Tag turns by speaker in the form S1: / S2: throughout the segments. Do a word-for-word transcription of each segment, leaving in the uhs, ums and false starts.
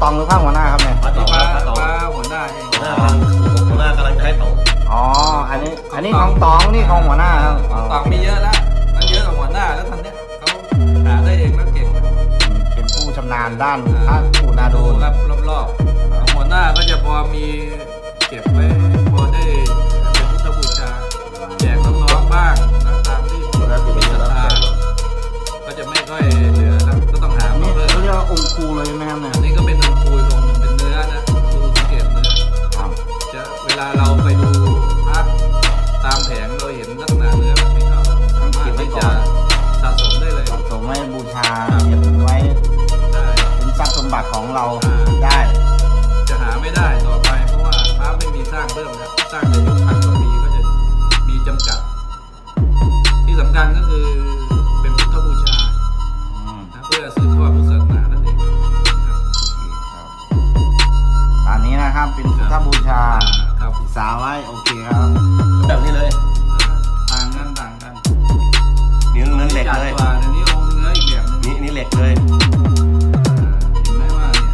S1: ตองหรือพระหัวหน้าครับเนี่ย
S2: พระต
S3: นี่
S2: อง
S3: พระ
S2: พระตอง
S3: พระหัวหน้าเอง
S2: หัวหน้ากำลังหัวหน้ากำลังจะให้ตอง
S1: อ๋ออันนี้อันนี้ของตองนี่ของหัวหน้าครับ
S3: ของตองมีเยอะแล้วมันเยอะกว่าหัวหน้าแล้วทันเนี้ยเขาหาได้เองแล้วเก่งนะ
S1: เป็นผู้ชำนาญด้านพระปู่นาดู
S3: ดูครับรอบๆของหัวหน้าก็จะพอมีเก็บไว้พอได้เป็นพุทธบูชาแจกน้องๆบ้างนะตามที่
S2: หัวหน้าที่เป็น
S3: ศรัท
S2: รับ
S3: ธาก็จะไม่ค่อยเหลือครับก็ต้องหามา
S1: นี่
S3: เพิ่ม
S1: เขาเรียกว่าองค์ครูเลยใช่ไหมครับเนี่ย
S3: อันนี้ก็เป็นองค์ปูลงเป็นเนื้อนะดูสังเกตเนื้อ
S1: ครับ
S3: จะเวลาเราไปดูพระตามแผงเราเห็นลักษณะเนื้อแบบนี้ก็สามารถที่จะสะสมได้เลย
S1: สะสมไว้บูชาเก็บไว้
S3: ได้
S1: เป็นทรัพย์สมบัติของเราได้
S3: จะหาไม่ได้ต่อไปเพราะว่าพระไม่มีสร้างเพิ่มแล้วสร้างในยุคพันกว่าปีก็จะมีจำกัด ที่สำคัญก็คือเป็นพุทธบูชา
S1: อืม
S3: นะเพื่อสืบทอดพุทธศาสนานั่นเองครับ
S1: ครับตามนี้นะครับเป็นพุทธบูชา
S3: ครับ
S1: ศึกษาไว้โอเคครับ
S2: แบบนี้เลย
S3: ต่างกันต่างกัน
S2: นิ้วเนื้อเหล็ก
S3: จัด
S2: เลย
S3: กว่าเดี๋ยวนี้องค์เนื้ออีกแบบหนึง
S2: นี่นี่เหล็กเลย
S3: เห็นไหมว่าเนี่ย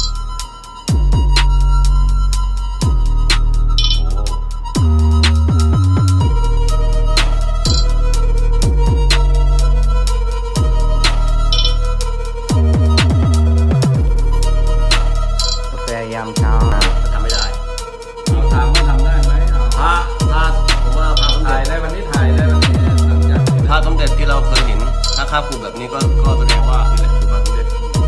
S2: โอ้
S1: กาแฟยามเช้านะ
S2: ทำไม่ได้
S3: เราถามว่าทำได้ไหมเอา
S2: พระพระผมว่าพระสม
S3: ถ่า
S2: เด็
S3: ย
S2: จ
S3: ได้วันนี้ถ่ายได้วันนี้หลังจากที่
S2: พระสมเด็จที่เราเคยเห็นถ้าคาบกูแบบนี้ก็ก็แสดงว่านี่แหละคือพระสมเด็จ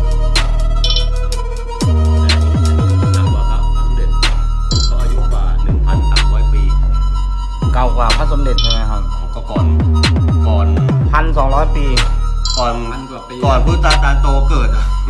S2: แต่อันนี้อันนี้หนักกว่าพระพระสมเด็จเขาอายุกว่าหนึ่งพันสามร้อยปี
S1: เก่ากว่าพระสมเด็จใช่ไหมครับ
S2: ก็ก่อนก่อน
S1: พันสองร้อยปี
S2: ก่อน
S3: พันกว่าปี
S2: ก่อนพุทธตาตาโตเกิดอ่ะ